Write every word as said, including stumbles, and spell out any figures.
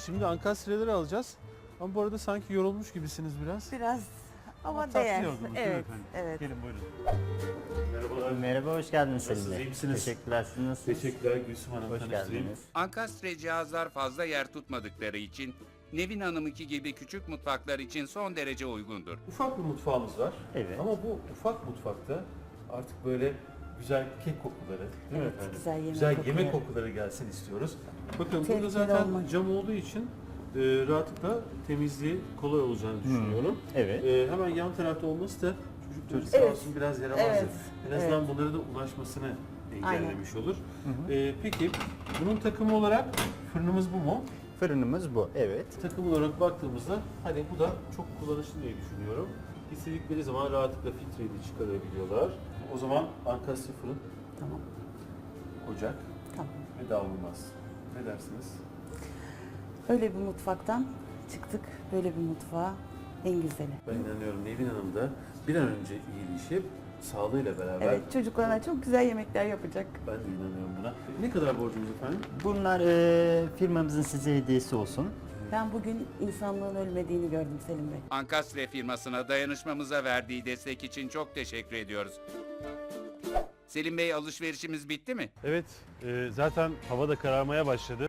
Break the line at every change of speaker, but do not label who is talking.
Şimdi ankastreleri alacağız. Ama bu arada sanki yorulmuş gibisiniz biraz.
Biraz ama,
tatlı
değer.
yorgunluk değil mi
Evet,
efendim?
evet.
Gelin buyurun. Merhabalar.
Merhaba, hoş geldiniz Selim
Nasılsınız,
Bey.
iyi misiniz?
Teşekkürler, siz nasılsınız?
Teşekkürler Gülsüm Hanım,
Hoş
tanıştırayım.
geldiniz.
Ankastre cihazlar fazla yer tutmadıkları için Nevin Hanım'ınki gibi küçük mutfaklar için son derece uygundur.
Ufak bir mutfağımız var.
Evet.
Ama bu ufak mutfakta artık böyle güzel kek kokuları, değil mi
Evet,
efendim?
güzel yemek
yemek
kokuları.
kokuları gelsin istiyoruz. Bakın burada
Tehlikeli
zaten
olmaz.
cam olduğu için e, rahatlıkla temizliği kolay olacağını düşünüyorum.
Evet.
E, hemen yan tarafta olması da çocukların sağ
Evet.
olsun biraz yaramazdır.
Evet,
En azından bunlara da ulaşmasını engellemiş olur. E, peki bunun takımı olarak fırınımız bu mu?
Fırınımız bu, evet.
Takım olarak baktığımızda hani bu da çok kullanışlı diye düşünüyorum. İstedikleri zaman rahatlıkla filtreyi de çıkarabiliyorlar. O zaman ankastre fırın,
Tamam,
ocak
tamam.
ve davulmaz. Ne dersiniz?
Öyle bir mutfaktan çıktık, böyle bir mutfağa en güzeli.
Ben inanıyorum Nevin Hanım da bir an önce iyileşip sağlığıyla beraber
Evet, çocuklarına çok güzel yemekler yapacak.
ben de inanıyorum buna. Ne kadar borcumuz efendim?
Bunlar e, firmamızın size hediyesi olsun.
Ben bugün insanlığın ölmediğini gördüm Selim Bey.
Ankastre firmasına dayanışmamıza verdiği destek için çok teşekkür ediyoruz. Selim Bey, alışverişimiz bitti mi?
Evet, e, zaten hava da kararmaya başladı.